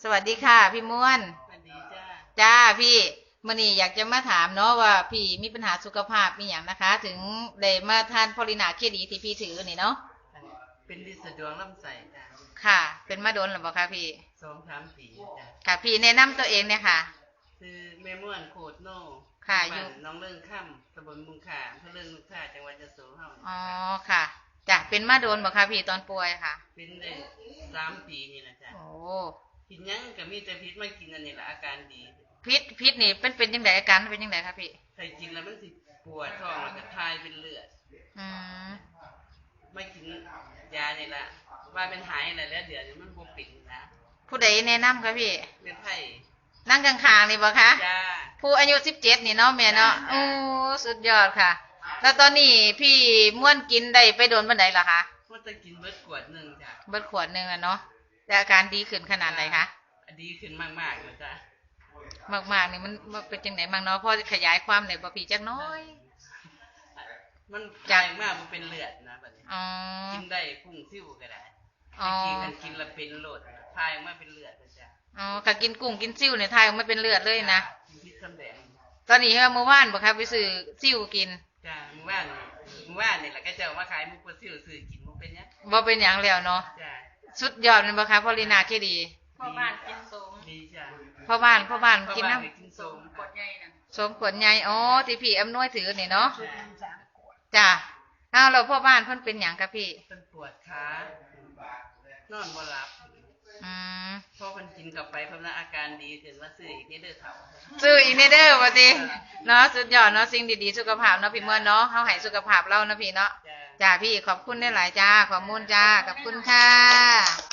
สวัสดีค่ะพี่ม้วนสวัสดีจ้าจ้าพี่มื่อนี้อยากจะมาถามเนาะว่าพี่มีปัญหาสุขภาพมีอย่างนะคะถึงได้มาทานพอลินาเคดีที่พี่ถือนี่เนาะเป็นดิสะดวงลำไส้จ้าค่ะเป็นมาโดนหรือเปล่าคะพี่ 2-3 ปีจ้าค่ะพี่แนะนำตัวเองเนี่ยค่ะคือแม่ม่วนโคดโน่ค่ะอยู่น้องเรื่องค่ำตำบลมุงข่าอำเภอเรื่องมุงข่าจังหวัดยโสเฮาอ๋อค่ะจ้ะเป็นมาโดนบ่คะพี่ตอนป่วยค่ะเป็นได้3 ปีนี่นะจ้าโอ้กินยังก็มีแต่พิษมากินอันนี้ละอาการดีพิษนี่เป็นยังไงอาการเป็นยังไงคะพี่ใครกินแล้วมันสิปวดท้องแล้วก็ทายเป็นเลือดอืมไม่กินยานี่ละว่าเป็นหายอะไรแล้วเดี๋ยวนี้มันบ่ปิดนะผู้ใดแนะนำคะพี่เป็นไผ่นั่งข้างๆนี่บ่คะจ้าผู้อายุ17นี่เนาะแม่เนาะโอ้สุดยอดค่ะแล้วตอนนี้พี่ม่วนกินได้ไปโดนบันไดล่ะคะมันจะกินเบิดขวดนึงจ้ะเบิดขวดนึงอะเนาะแต่อาการดีขึ้นขนาดไหนคะดีขึ้นมากๆเลยจ้ะมากๆนี่มันเป็นจังได๋บ้างเนาะพอขยายความได้บ่พี่จักน้อยมันจากมากมันเป็นเลือดนะบัดนี้อ๋อกินได้พุ่งซิ่วก็ได้อ๋อกินแล้วเป็นโลดทายออกมาเป็นเลือดจ้ะอ๋อถ้ากินกุ้งกินซิ่วเนี่ยทายออกมาเป็นเลือดเลยนะพิษสำแดงตอนนี้เมื่อวานบ่ครับไปซื้อซิ่วกินจ้ะเมื่อวานนี่แหละก็เจ้ามาขายมุกปลาซิ่วซื้อกินบ่เป็นหยังบ่เป็นหยังแล้วเนาะจ้ะสุดยอดแม่นบ่ครับพอลีนาเคดีพ่อบ้านกินสมดีจ้ะพ่อบ้านกินน้ำกินสมขวดใหญ่น่ะสมขวดใหญ่อ๋อที่พี่อำนวยถือนี่เนาะจ้ะอ้าวแล้วพ่อบ้านเพิ่นเป็นหยังครับพี่เพิ่นปวดขานอนบ่หลับพอมันกินกลับไปเพิ่นอาการดีขึ้นว่าซื้ออีกนิดเด้อเฒ่าซื้ออีกนิดเด้อว่าติเนาะสุดยอดเนาะสิ่งดีๆสุขภาพเนาะพี่ม่วนเนาะเฮาให้สุขภาพเรานะพี่เนาะจ้าพี่ขอบคุณหลายๆจ้าขอบคุณจ้าขอบคุณค่ะ